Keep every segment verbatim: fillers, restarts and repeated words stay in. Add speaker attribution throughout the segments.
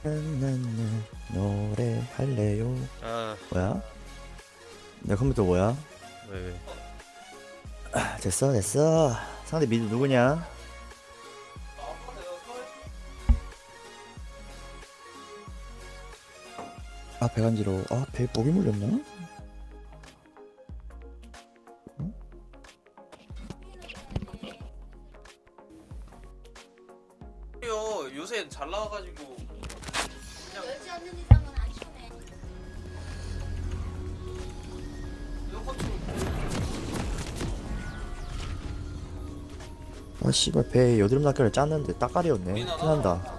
Speaker 1: 나나나 노래 할래요.
Speaker 2: 아,
Speaker 1: 뭐야? 내 컴퓨터 뭐야?
Speaker 2: 왜, 왜.
Speaker 1: 아, 됐어 됐어. 상대 미드 누구냐? 아 배 간지러워. 아 배 목이 물렸나?
Speaker 2: 요 요새 잘 나와가지고
Speaker 3: 열지 않는 이상은 안 쳐내.
Speaker 1: 아 씨발 배에 여드름 낚여를 짰는데 따까리였네. 티난다.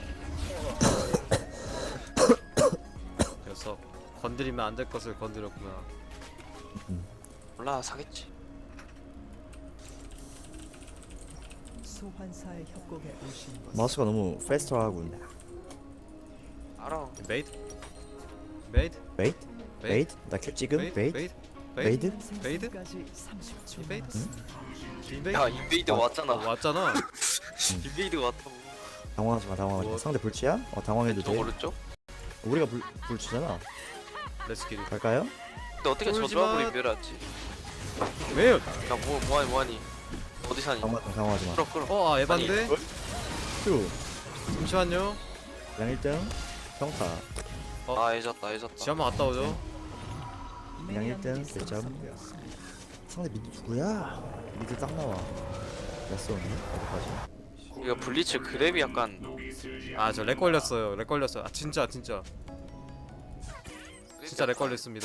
Speaker 2: 그래서 건드리면 안 될 것을 건드렸구나.
Speaker 4: 몰라 사겠지.
Speaker 5: 소환사의 협곡에 오신 것을
Speaker 1: 마우스가 너무 페스트하군.
Speaker 4: 알아.
Speaker 2: 메이드? 메이드?
Speaker 1: 베이트? 베이트? 나 큐 찍음?
Speaker 2: 메이드?
Speaker 1: 베이트?
Speaker 2: 메이드?
Speaker 1: 메이드?
Speaker 2: 메이드?
Speaker 5: 생성까지 삼십 초
Speaker 2: 메이드?
Speaker 5: 남았습니다.
Speaker 2: 인베이드?
Speaker 4: 야 인베이드
Speaker 2: 어,
Speaker 4: 왔잖아.
Speaker 2: 왔잖아.
Speaker 4: 인베이드 왔다고.
Speaker 1: 당황하지 마 당황하지 마.
Speaker 2: 뭐?
Speaker 1: 상대 불치야? 어 당황해도
Speaker 4: 저
Speaker 1: 돼.
Speaker 4: 오른쪽?
Speaker 1: 우리가 불, 불치잖아.
Speaker 2: 렛츠기리.
Speaker 1: 갈까요?
Speaker 4: 근데 어떻게 저
Speaker 2: 쫄지
Speaker 4: 조합으로
Speaker 2: 마.
Speaker 4: 인베라지?
Speaker 2: 왜요?
Speaker 4: 야뭐 뭐하니 뭐하니? 어디 사니?
Speaker 1: 당황하지 마 당황하지 마.
Speaker 4: 끌어 끌어.
Speaker 2: 어, 아, 에반데?
Speaker 1: 큐.
Speaker 2: 잠시만요.
Speaker 1: 그냥 일 등 평타.
Speaker 4: 아 해졌다 해졌다.
Speaker 2: 지 한번 갔다 오죠.
Speaker 1: 그냥 일 등 백 점. 상대 미드 누구야? 미드 딱 나와. 야쏘니 어디까지?
Speaker 4: 이거 블리츠 그랩이 약간
Speaker 2: 아, 저 렉 걸렸어요. 렉 걸렸어요. 아, 진짜, 진짜. 진짜 렉 걸렸습니다.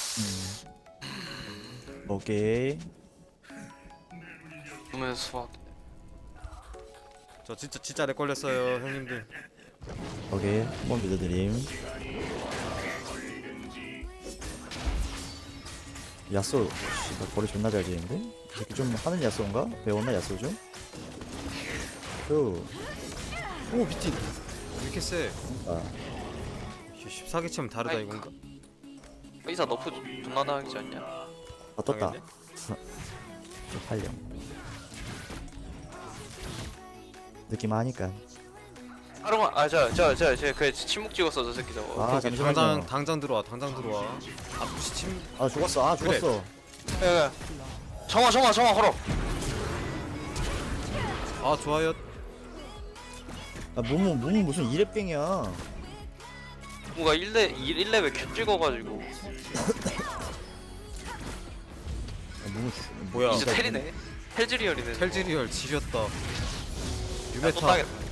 Speaker 1: 음. 오케이.
Speaker 4: 보면 수학.
Speaker 2: 저 진짜, 진짜 렉 걸렸어요, 형님들.
Speaker 1: 오케이. 한번 믿어드림. 야쏘. 씨, 나 거리 존나 잘 지는데? 이 새끼 좀 하는 야쏘인가? 배웠나 야쏘 좀? 큐.
Speaker 2: 오, 미팅. 왜 이렇게 세?
Speaker 1: 아.
Speaker 2: 십사 개 치면 다르다
Speaker 4: 아이,
Speaker 2: 이건가?
Speaker 4: 의사 너프 존나 당하지 않냐?
Speaker 1: 아 떴다.
Speaker 2: 당했네?
Speaker 1: 팔려. 느낌 아니까.
Speaker 4: 하루만 아저저저저그 침묵 찍었어 저 새끼 저거.
Speaker 1: 아
Speaker 2: 오케이,
Speaker 1: 잠시만요.
Speaker 2: 당장 당장 들어와 당장 들어와. 아 무시 침.
Speaker 1: 아 죽었어. 아
Speaker 2: 그래.
Speaker 1: 죽었어.
Speaker 4: 야, 야. 정화 정화 정화 걸어.
Speaker 2: 아 좋아요.
Speaker 1: 아 몸은 몸은 무슨 이랩갱이야.
Speaker 4: 뭔가 일 레 일 레벨 큐 찍어가지고
Speaker 1: 아, 몸은
Speaker 2: 뭐야?
Speaker 4: 이제 텔이네. 텔즈리얼이네.
Speaker 2: 텔지리얼 지렸다.
Speaker 4: 야, 또
Speaker 2: 유메타.
Speaker 4: 따겠다.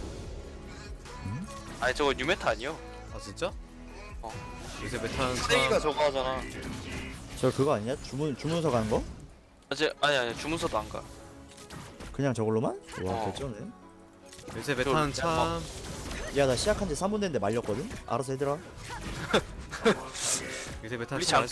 Speaker 4: 아니 저거 뉴메타 아니요?
Speaker 2: 아 진짜?
Speaker 4: 어.
Speaker 2: 요새 메타는
Speaker 4: 쓰레기가
Speaker 2: 참.
Speaker 4: 저거 하잖아.
Speaker 1: 저 그거 아니냐? 주문 주문서 가는 거?
Speaker 4: 아직 아니 아니 주문서도 안 가.
Speaker 1: 그냥 저걸로만? 와
Speaker 4: 어.
Speaker 1: 개쩌네.
Speaker 2: 요새 메타는
Speaker 4: 저-
Speaker 2: 참.
Speaker 1: 야 나 시작한 지 삼 분 됐는데 말렸거든? 알아서 해들어.
Speaker 2: 요새 메타는
Speaker 4: 블리츠
Speaker 2: 참
Speaker 4: 안